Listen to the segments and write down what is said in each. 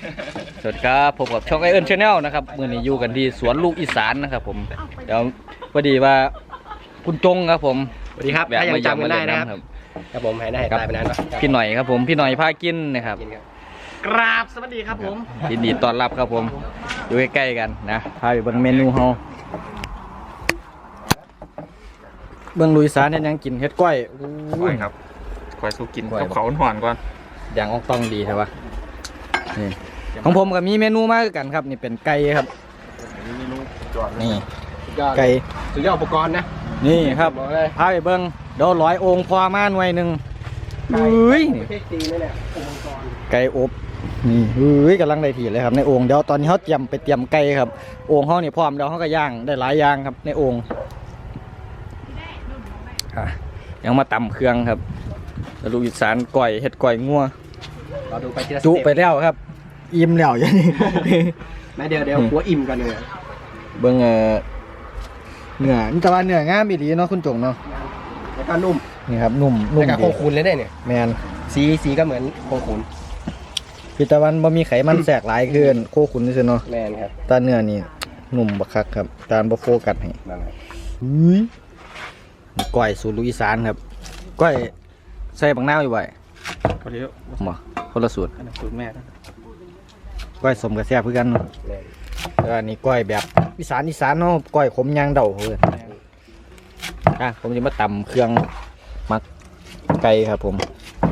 สวัสดีครับผมกับช่องไอเอิร์นชาแนลนะครับมื่อนี้อยู่กันที่สวนลูกอีสานนะครับผมเดี๋ยวพอดีว่าคุณจงครับผมสวัสดีครับถ้ายังจำกันได้นะครับครับผมหายหน้าหายตาไปนานปะพี่หน่อยครับผมพี่หน่อยพากินนะครับกราบสวัสดีครับผมยินดีต้อนรับครับผมอยู่ใกล้ๆกันนะพาไปเบิ่งเมนูเฮาเบิ่งลูกอีสานเนี่ยยังกินเฮ็ดก้อยครับก้อยสู้กินกับเขาหวานก่อนอย่างอ่องต้องดีใช่ปะนี่ของผมก็มีเมนูมากกันครับนี่เป็นไก่ครับนี่ไก่สุดยอดอุปกรณ์นะนี่ครับพาไปเบิ้งเดี๋ยวร้อยองค์พอมาหน่วยหนึ่งเฮ้ยไก่อบนี่เฮ้ยกำลังได้ถี่เลยครับในโอ่งเดี๋ยวตอนนี้เขาเตรียมไก่ครับโอ่งเขาเนี่ยพร้อมแล้วเขาก็ย่างได้หลายอย่างครับในโอ่งยังมาตำเครื่องครับลูกอีสานก่อยเห็ดก่อยงัวจุไปแล้วครับอิ่มแล้วอย่างนี้ไม่เดี๋ยวหัวอิ่มกันเลยเบิ้งเนื้อนี่แต่ว่าเนื้องามอีหลีเนาะคุณจงเนาะแล้วก็นุ่มนี่ครับนุ่มแล้วก็โคขุนเลยได้เนี่ยแมนสีก็เหมือนโคขุนพิตะวันบ่มีไขมันแทรกหลายเกินโคขุนนี่สิเนาะแมนครับตาเนื้อนี่นุ่มบักคักครับตาบ่โฟกัสให้ก้อยสูตรลูกอีสานครับก้อยใส่บักนาวอยู่บ่คนเดียวบ่คนละสูตรสูตรแม่ก้อยสมกับแซ่บเพื่อกันเนาะแล้วอันนี้ก้อยแบบอีสานเนาะก้อยขมยางเดาเพื่อนผมจะมาตำเครื่องมักไก่ครับผม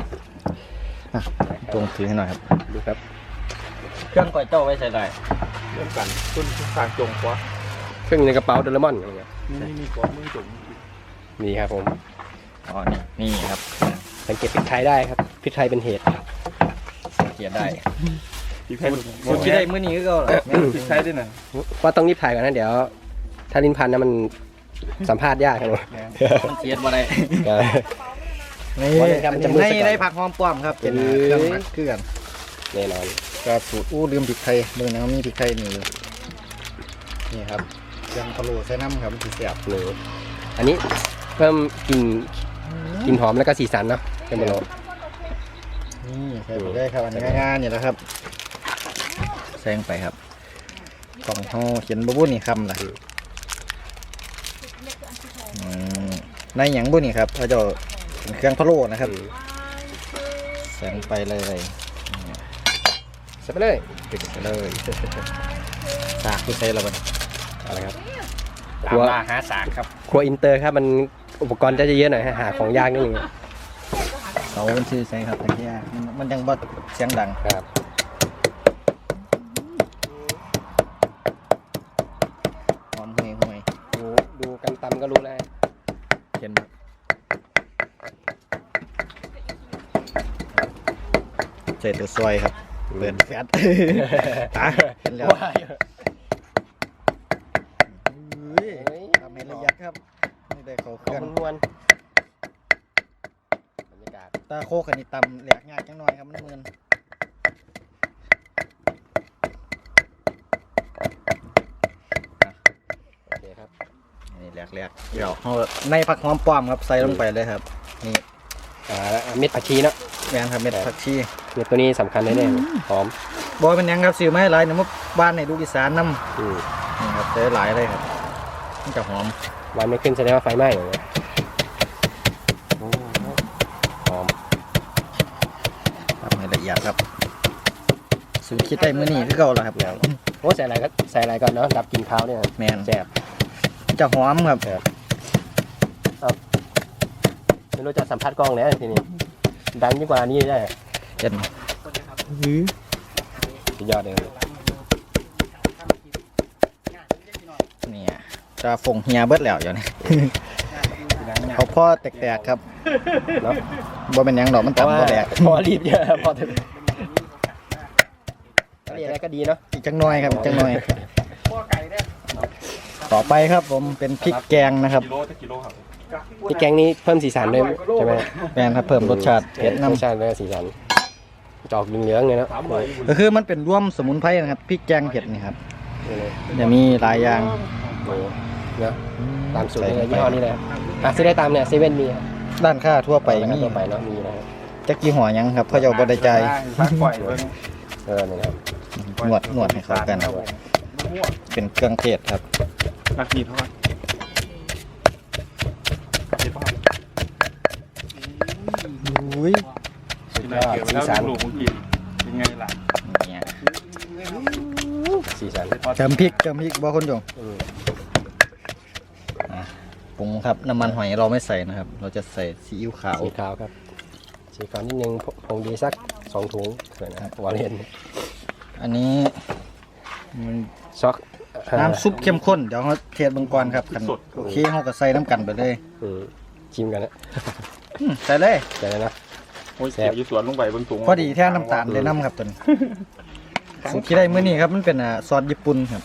ตรงถือให้หน่อยครับดูครับเครื่องก้อยเจ้าไว้ใส่ได้เรื่องกันต้นทางจงกว่าเครื่องในกระเป๋าโดเรมอนอะไรเงี้ยมีกว่ามือจงมีครับผมอ๋อนี่ครับสังเกตพริกไทยได้ครับพริกไทยเป็นเหตุเขียนได้พริกไทยสูตรที่ได้มื้อนี้ก็พริกไทยด้วยนะว่าต้องรีบถ่ายก่อนนะเดี๋ยวถ้าลิ้นพันนะมันสัมภาษณ์ยากครับมันเขียนมาได้นี่ได้ผักหอมป้อมครับเป็นเครื่องหมักเครื่องแน่นอนกระสูตรลืมพริกไทยเมื่อนั้นมีพริกไทยนี่ครับเครื่องพะโล้ใส่น้ำครับมันจะเสียบเลยอันนี้เพิ่มกลิ่นหอมแล้วก็สีสันเนาะเป็นพะโล้นี่ใส่ไปได้ครับอันนี้ง่ายๆนี่แหละครับแซงไปครับกล่องห่อเขียนบุ้นี่คำล่ะในหยังบุ้นี่ครับเขาจะเป็นเครื่องพะโล้นะครับแซงไปเลยใส่ไปเลยปิดไปเลยสากคือใส่ระเบิดอะไรครับครัวหาสากครับครัวอินเตอร์ครับมันอุปกรณ์จะเยอะหน่อยหาของยากนิดนึงเขาเป็นชื่อใส่ครับแต่ที่มันยังบดเสียงดังครับหอมห่วยดูกันตำก็รู้แล้วเห็นเศษตัวซอยครับเปิดแฟตตาเห็นแล้วทำให้ละเอียดครับนี่ได้เขาเครื่องม้วนบรรยากาศตาโคกันนี่ตำแหลกง่ายจังหน่อยครับมันมืนโอเคครับนี่แหลกเดี๋ยวเอาในผักหอมป้อมครับใส่ลงไปเลยครับนี่เม็ดผักชีเนาะแมงครับเม็ดผักชีเม็ดตัวนี้สำคัญแน่ๆหอมบอยเป็นยังครับซื้อมาให้หลายเนี่ยเมื่อบ้านในลูกอีสานน้ำนี่ครับเจอหลายเลยครับมันจะหอมวันไม่ขึ้นแสดงว่าไฟไหม้เลยหอมทำให้ละเอียดครับสูตรคิดได้มื้อนี้คือเก่าแล้วครับโอ้ใส่อะไรก็ใส่อะไรก่อนเนาะดับกลิ่นคาวเนี่ยแมนแซ่บจะหอมครับไม่รู้จะสัมผัสกล้องแล้วทีนี้ดังยิ่งกว่านี้ได้เจ็ดสุดยอดเลยนี่จะฟงเฮียเบิดแล้วอย่างนี้เขาพ่อแตกๆครับเนาะบ่เป็นยังดอกมันต่ำบ่แตกพอรีบเยอะพอถึงอะไรก็ดีเนาะอีกจังน้อยครับจังน้อยต่อไปครับผมเป็นพริกแกงนะครับพริกแกงนี้เพิ่มสีสันด้วยใช่ไหมแม่นครับเพิ่มรสชาติเผ็ดน้ำรสชาติและสีสันจอกเหลืองๆเลยนะก็คือมันเป็นร่วมสมุนไพรนะครับพริกแกงเผ็ดนี่ครับจะมีหลายอย่างเนาะตามสูตรยี่ห้อนี้เลยซื้อได้ตามเนี่ยเซเว่นมีด้านค่าทั่วไปมีทั่วไปเนาะมีนะจะกี่ห่อยังครับเขาจะบดใจนี่ครับนวดให้เข้ากันครับเป็นเครื่องเทศครับนักกีทอดเดี๋ยวพ่ออุ้ยกินอะไรเกี่ยวแล้วลูกมึงกินเป็นไงล่ะเนี่ยสีสันเติมพริกบ่คนจงปรุงครับน้ำมันหอยเราไม่ใส่นะครับ เราจะใส่ซีอิ๊วขาวสีขาวครับสีขาวนิดนึงผงดีสัก2 ถุงเผื่อนะครับวาเลนอันนี้มันช็อกน้ำซุปเข้มข้นเดี๋ยวเราเทสเบิ่งก่อนครับคันโอเคเราก็ใส่น้ำกันไปเลยชิมกันนะใส่เลยใส่เลยนะโอ้ยเสียอยู่สวนลงไปบนสูงพอดีแท้น้ำตาลเลยน้ำครับตัวนี้สูตรที่ได้มื้อนี้ครับมันเป็นซอสญี่ปุ่นครับ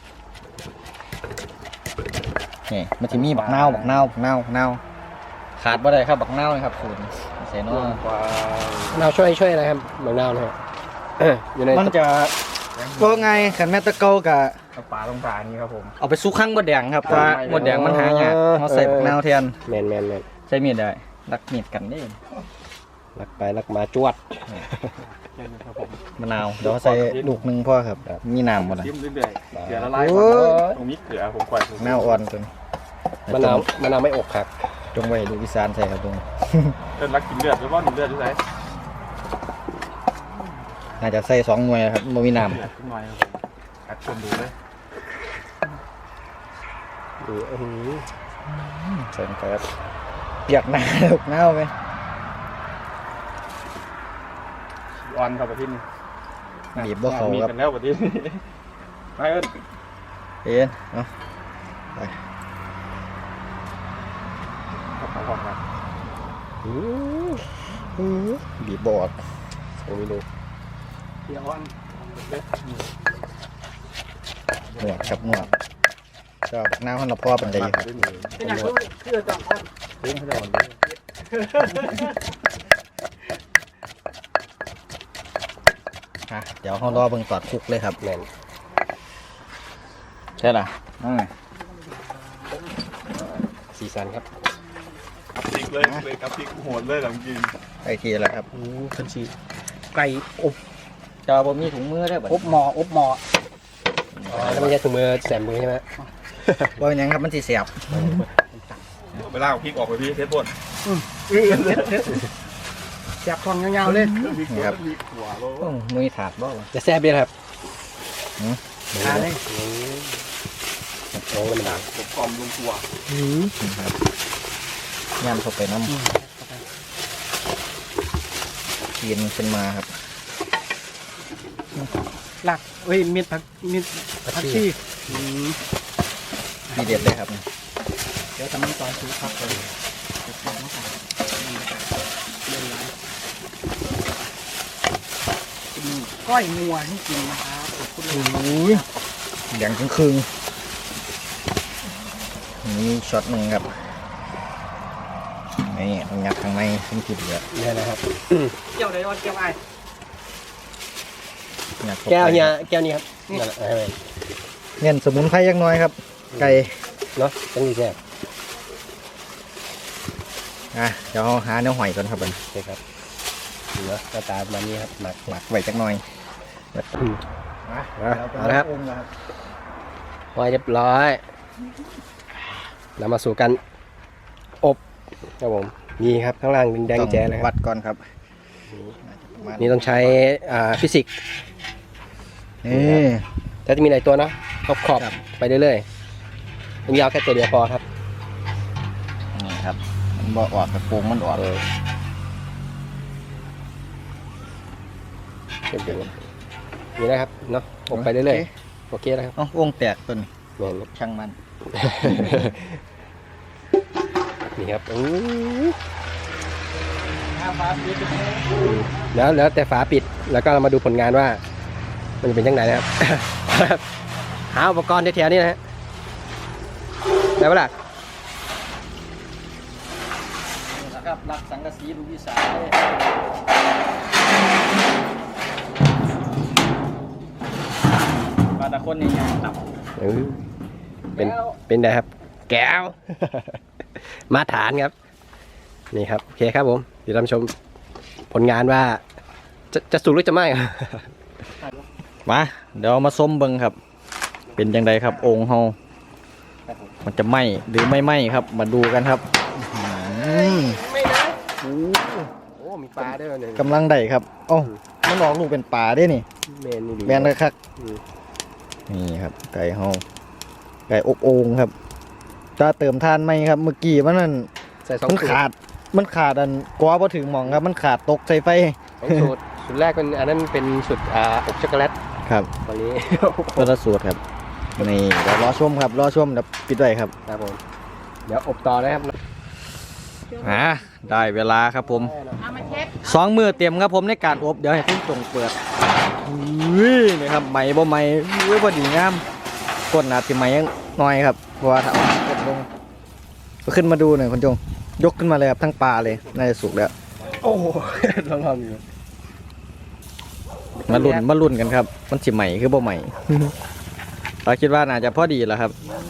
นี่มันจะมีบักนาวขาดบ่ได้ครับบักนาวนะครับสูตรใส่น้อยเราช่วยอะไรครับบางนาวนะครับอยู่ในมันจะก็ไงขันแม่ตะเกากับปลาลงปลานี่ครับผมเอาไปซุกข้างบดแดงครับเพราะว่าบดแดงมันหายากเราใส่บักนาวแทนแมนใช้มีดได้รักมีดกันได้ลักไปลักมาจวดมะนาวเดี๋ยวใส่ลูกหนึงพ่อครับมีน้ำหมดเลยจิ้มเรื่อยๆเกลือละลายตรงนี้เกลือผมปล่อยนาวอ่อนตัวนี้มะนาวไม่อกหักจงไว้ดูกอีสานใส่ครับตรงเดินรักกินเลือดหรือว่าหนึ่งเลือดหรือไงน่าจะใส่2 หน่วยครับบ่มีน้เลือดขึ้นหน่อยครับผมอัดชมดูเลยำใส่ลงไปครับเปียกหน้าลูกนาวไหมออนครับประทินบีบบ่เขามีครับกันแล้วประทินไม่เอิ้นเอ็นเนาะไปขอบครับบีบบอดผมไม่รู้เดี๋ยวออนหนวดครับหนวดก็บักนาวให้เราพ่อเป็นไดครับเป็นอย่างคือจับออนเฮ้ยเขาจะออนเดี๋ยวเรารอเบิ่งตอดคุกเลยครับแมนใช่ล่ะสีสันครับพริกเลยครับพริกโหดเลยหลังกินไอทีแล้วครับคันชีไก่อบจอบ่มีถุงมือได้บ่อบหมอแล้วไม่ใช่ถุงมือแสบมือใช่ไหมบ่เป็นหยังครับมันสิเสียบเวลาเอาพริกออกไปพี่เทสบนแสบทองยาวๆเลยนี่ครับพริกหัวโลโอ้มือถาดบ่วะจะแซ่บเลยครับทาเลยโอ้มันดังผมกลอมลงตัวครับย่ำเข้าไปน้ำกินขึ้นมาครับหลักเฮ้ยมีดผักชีทีเด็ดเลยครับเดี๋ยวทำมันตอนซื้อผักเลยก้อยงัวให้กินนะครับขอบคุณเลยอุ้ยแดงครึ่งนี่ช็อตหนึ่งครับนี่ต้องยัดข้างในขึ้นขีดเหลือนี่นะครับเกี่ยวเลยวันเกี่ยวไอ้ยัดข้าไปแก้วเนี่ยแก้วนี้ครับนั่นแหละให้ไปเน้นสมุนไพรยักน้อยครับ ไก่เนาะต้องมีแซ่บเดี๋ยวเราหาเนื้อหอยก่อนครับผมโอเคครับเนาะหน้าตาประมาณนี้ครับหมักหมักไว้จักหน่อยเอาละครับไว้เรียบร้อยเรามาสู่กันอบครับผมนี่ครับข้างล่างแดงแจ๋เลยควัรับดก่อนครับนี่ต้องใช้ฟิสิกส์นี่แต่จะมีหลายตัวเนาะขอบไปเรื่อยๆเป็นยาวแค่ตัวเดียวพอครับนี่ครับมันบ่ออกกระโปรงมันออกนี่นะครับเนาะอบไปเรื่อยๆโอเคนะครับเอ้าวงแตกต้นแม่นช่างมันนี่ครับแล้วแต่ฝาปิดแล้วก็เรามาดูผลงานว่ามันจะเป็นยังไงนะครับ หาอุปกรณ์แถวๆนี้นะฮะได้ปะล่ะนะครับรักสังกะสีลูกอีสานบาตะคนนี่ยังตับเป็นไงครับแก้ว มาตรฐานครับนี่ครับโอเคครับผมเดี๋ยวเราชมผลงานว่าจะสุกหรือจะไหม้มาเดี๋ยวมาส้มเบิงครับ เป็นยังไงครับโองเฮามันจะไหมหรือไม่ไหมครับ มาดูกันครับไม่นะโอ้มีปลาด้วยเนี่ยกำลังได้ครับโอ้มันออกลูกเป็นป่าได้นี่เมนนี่ดีแมนเลยครับอืมนี่ครับไก่เฮาไก่อบโอ่งครับจะเติมทานไหมครับ เมื่อกี้มันนั่นใส่สองมันสูตรขาดอันกว่าพอถึงหมองครับ มันขาดตกใส่ไฟสองสูตรสูตรแรกเป็นอันนั้นเป็นสูตรอบช็อกโกแลตครับวันนี้ตัวละสูตรครับนี่เดี๋ยวรอชมครับรอชมเดี๋ยวปิดไว้ครับครับผมเดี๋ยวอบต่อนะครับได้เวลาครับผมเอามาเช็ด 2 มือเตรียมครับผมในการอบเดี๋ยวให้คุณจงเปิดนี่ครับไหมบ่ไหมพอดีงามก้นอาจจะไหมยังน้อยครับเพราะว่าถ้าเอากดลงก็ขึ้นมาดูหน่อยคุณจงยกขึ้นมาเลยครับทั้งปลาเลยน่าจะสุกแล้วโอ้โหลองๆอยู่มาลุ้นกันครับ มันสิใหม่คือบ่ใหม่ เราคิดว่าน่าจะพอดีแล้วครับ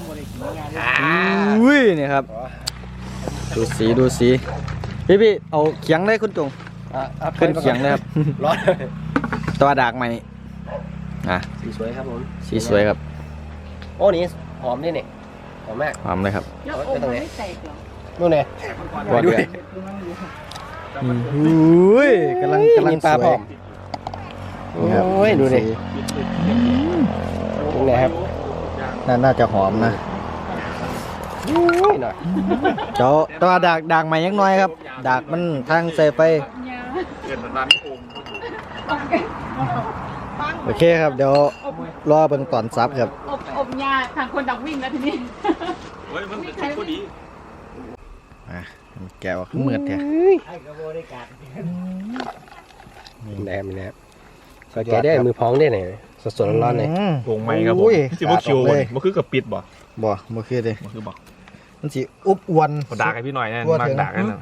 อุ้ยนี่ครับดูสีพี่เอาเขียงได้คุณจงขึ้นเขียงเลยครับร้อนตัวดากใหม่อ่ะสีสวยครับผมสีสวยครับโอ้นี่หอมด้วยเนี่ยหอมมากหอมเลยครับแล้วโอ้มันไม่แตกเหรอนู่นเนี่ยก่อนด้วยอุ้ยกำลังมีปลาสพร้วอย มโอ้ยดูดิตรงไหนครับน่าจะหอมนะอุ้ยหน่อยเจ้าตัวดากใหม่ยังน้อยครับ ดากมันทางใส่ไฟเกิดร้านโอ่งโอเคครับ เดี๋ยวรอเบิ่งตอนซับครับอบยาทางคนดักวิ่งแล้วทีนี้เฮ้ยมันเป็นชุดพอดีแกวขึ้นเมือดแท้แหนมแหนมก็แกะได้มือพองได้เนี่ยสดๆร้อนๆเลยโอ่งไหมครับผมอุ้ยที่สิบ่คิวเลยมันคือกับปิดบ่บ่คือเลยมันคือบ่มันสิอุบอวนเขาด่าให้พี่หน่อยนะกลัวมากถึงด่ากันนะ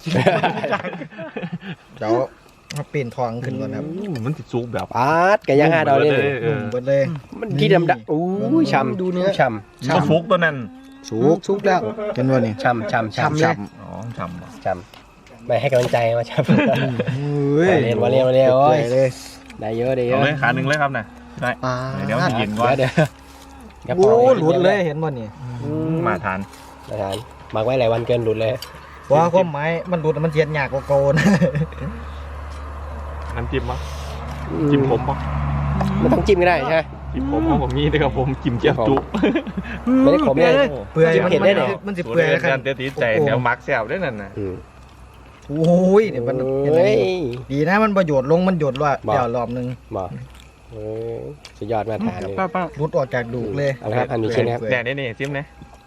เดี๋ยวมาปีนทองขึ้นก่อนครับมันติดซุกแบบปาดแกะย่าง5 ดาวเลยเนี่ยเออเบิดเลยมันกี่ดำอู้ยช่ำดูเนื้อช่ก็ซุกตัวนั้นสุกแล้วเห็นบ่นี่ำช่ำช่ำช่ำช้อ๋อช้ำบ่ช่ำไม่ให้กำลังใจมาช่ำำอุ้ยมาเรียนโอ้ยเลยได้เยอะได้เยเอาอะเลยขาหนึ่งเลยครับนะได้ปลาเดี๋ยวมันเย็นก่อนเดี๋ยวโอ้หลุดเลยเห็นบ่นี่มาทานอาจารย์หมักไว้หลายวันเกินหลุดเลยว่าความหมายมันหลุดมันเย็นยากกว่าเก่านะน้ำจิ้มปะจิ้มผมปะไม่ต้องจิ้มก็ได้ใช่ไหมจิ้มผมเพราะผมมีด้วยครับผมจิ้มเจียวจุไม่ได้ขมเลยเปื่อยจิ้มเผ็ดได้เหรอมันสิเปื่อยกัครับนเดี๋ยวตีใจเดี๋ยวมักแซวด้วยนั่นน่ะโอ้ยเนี่ยมันเห็นไหมเฮ้ยดีนะมันประโยชน์ลงมันหยดว่าบอกเดี๋ยวรอบนึงบอกสุดยอดมาทานเลยป้ารุดออกจากดูกเลยเอาละครับอันนี้ชิ้นนะครับแต่นี่จิ้มนะ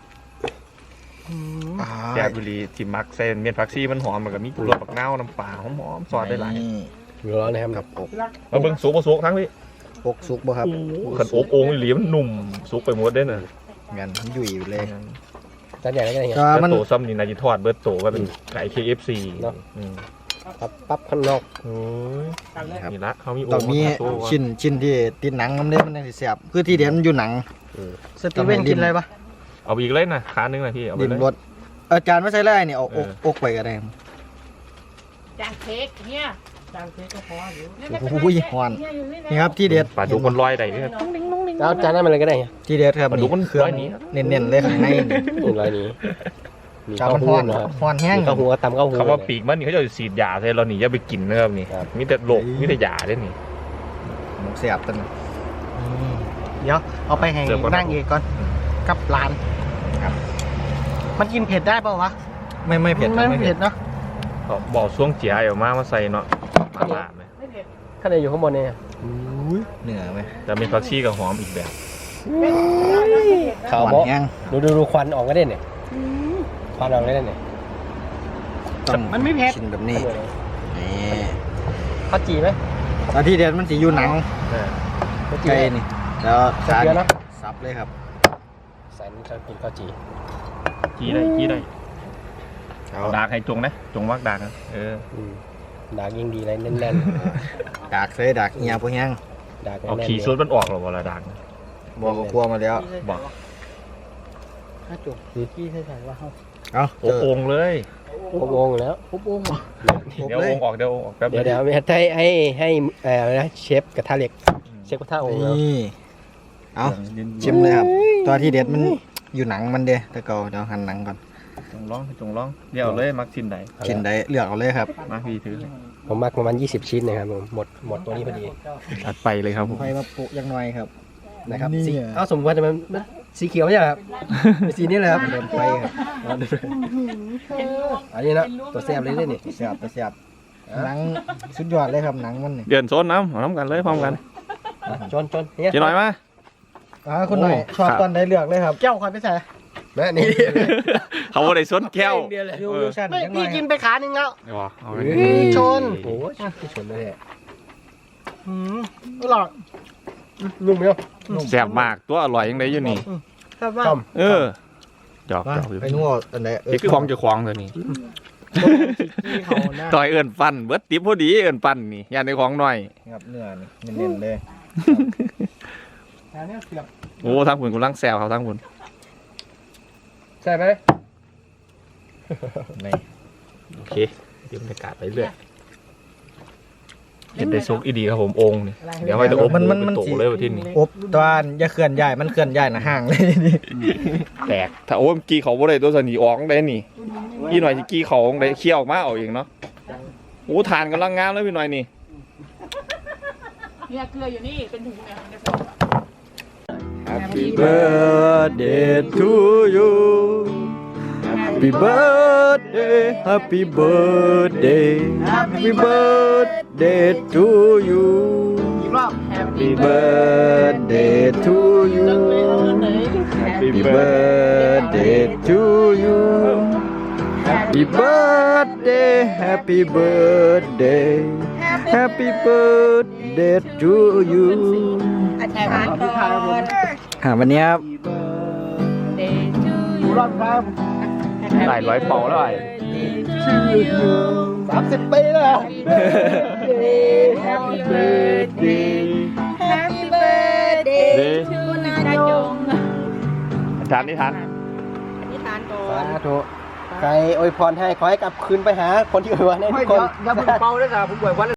อ่าแซ่บบุรีจิ้มมักเส้นเมียนผักซีมันหอมมันก็มีรสปักเน่าน้ำปลาหอมๆซอสได้หลายอยู่ร้อนนะครับกับอกมาเบิ่งสุกบ่สุกทั้งพี่อกสุกบ่ครับขันอบโอ่งอีหลีมันนุ่มสุกไปหมดได้น่ะงั้นมันยุ่ยอยู่เลยจานใหญ่แล้วก็ได้ไงก็แล้วมันโตซ้ำนี่นาจิทอดเบิร์ตโตก็เป็นไก่ KFC เนาะอืมปั๊บข้างนอกโอ้ยครับนี่ละเขามีโอ่ต้องงมีมาโชว์ว่าชิ้นที่ติดหนังมันเลยมันจะแสบคือที่เด่นมันอยู่หนังสตีเวนกินอะไรปะเอาไปอีกเลยนะขาหนึงนะพี่เอาไปดินเลยรสอาจารย์ไม่ใช่ไรเนี่ยเอาอกไปก็ได้จางเค้กเนี่ยจางเค้กก็พออยู่โอ้ยหวานนี่ครับที่เด็ดปลาดุกมันลอยได้เนี่ยแล้วจานนั้นมันเลยก็ได้ไงที่เด็ดครับปลาดุกมันเครื่องร้อยนี้เน้นๆเลยข้างในนี่นี่ร้อยนี้มีจาข้าวมันหูฮ้อนนะครับฮ้อนแห้งมีข้าวหูก็ตำข้าวหูคำว่าปีกมันนี่เขาจะสีดยาใส่เราหนีอย่าไปกินนะครับนี่ครับมีแต่โรคมีแต่ยาได้นี่แสบตันเดี๋ยวเอาไปให้เดี๋ยวก่อนนั่งเอกก่อนกับร้านครับมันกินเผ็ดได้เปล่าวะไม่เผ็ดครับไม่เผ็ดเนาะเอาบอกช่วงเจียเอามาใส่เนาะปลาละไหมไม่เผ็ดข้างในอยู่ข้างบนเนี่ยเหนือไหมแต่มีผักชีกับหอมอีกแบบข่าวหวานโบ๊ะแห้งดูควันออกก็ได้เนี่ยควันออกก็ได้เนี่ยต้องมันไม่เผ็ดชิ้นแบบนี้นี่ข้าวจีไหมแล้วที่เด็ดมันสีอยู่หนังข้าวจีไก่ไหมนี่แล้วใส่เกลือนะซับเลยครับใส่น้ำชากินข้าวจีจี้ได้เอาเอาดากให้จงนะจงวักดากนะดากยิ่งดีเลยแน่นดากเลยดากเงียบพวกแห้งๆดากแน่นๆเอาขี่ซุดมันออกหรอเวลาดากนะบอกเขาคั่วมาแล้วบอกถ้าจุกที่ใส่ว่าเขาเอาโอ้โอ่งเลยผมงงแล้วปุ๊บโอ้งเดี๋ยวโอ่งออกเดี๋ยวโอ่งออกแป๊บเดี๋ยวให้เชฟกระทะเหล็กเช็คกระทะโอ่งแล้วนี่เอาชิมเลยครับ ตัวที่เด็ดมันอยู่หนังมันเด้แต่เก่าเดี๋ยวหั่นหนังก่อนจงร้องเดี๋ยวเลยมักชิ้นใดชิ้นใดเลือกเอาเลยครับมาพี่ถือผมมักประมาณ20 ชิ้นนะครับผมหมดตัวนี้พอดีจัดไปเลยครับผมไฟมาปุยังน้อยครับนะครับนี่สีเอ้าสมมติว่าจะมันสีเขียวไม่ใช่เหรอครับเป็นสีนี้เลยครับเดินไฟครับอันนี้นะตัวแซ่บเลยนี่เสียบเสียบหนังสุดยอดเลยครับหนังมันนี่เดือนโซนน้ำเอาน้ำกันเลยพร้อมกันจนเนี่ยกินหน่อยมาคุณหน่อยชอบตอนใดเลือกเลยครับแก้วคอยไปใส่แม่นี่เขาบ่ได้ซนแก้วยูชั่นไม่ยังน้พี่อยกินไปขาหนึ่งแล้วเดี๋ยวเอาไปชนโอ้ยชนเลยเนี่ยอร่อยนุ่มไหมเนาะแซ่บมากตัวอร่อยยังไงอยู่นี่ครับว่าต้มเออหยอกมาหยอกอยู่ไปนู่นอันไหนนี่คือของเจ้าของตัวนี้เขาหน้าต่อยเอิ้นฟันเบิดติ๊บพอดีเอิ้นฟันนี่ยานในของหน่อยครับเนื้อนี่เน้นๆเลยอันนี้เสียบโอ้ทางคุณกำลังแซวครับทางคุณใช่ไหมนี่โอเคเดี๋ยวบรรยากาศไปเรื่อยเห็นได้ซุกอีดีครับผมองค์นี่เดี๋ยวไว้จะอบเป็นโตเลยวันที่นี้อบตอนอย่าเคลื่อนย้ายมันเคลื่อนย้ายนะห่างเลยนี่แตกถ้าโอ้ยเมื่อกี้เขาบ่ได้ตัวสนีออกได้นี่พี่หน่อยสิกี้เขาได้เคี่ยวออกมาเอาเองเนาะโอ้ทานกำลังงามเลยพี่หน่อยนี่เนี่ยเกลืออยู่นี่เป็นถุงเนี่ยในซอง Happy birthday to you Happy birthday Happy birthday Happy birthday to you อีกรอบ Happy birthday to you Happy birthday to you Happy birthday Happy birthday Happy birthday to you วันนี้ครับรอบครับหลายร้อยเป่าแล้วไอ้ 30 ปีแล้ว Happy birthday Happy birthday เด้ to นายงทานนี่ทานนิทานก่อสาน ธุใครอวยพรให้ขอให้กลับคืนไปหาคนที่อวยพรให้ทุกคนอย่าเพิ่งเป่าเลยครับผมบอกว่า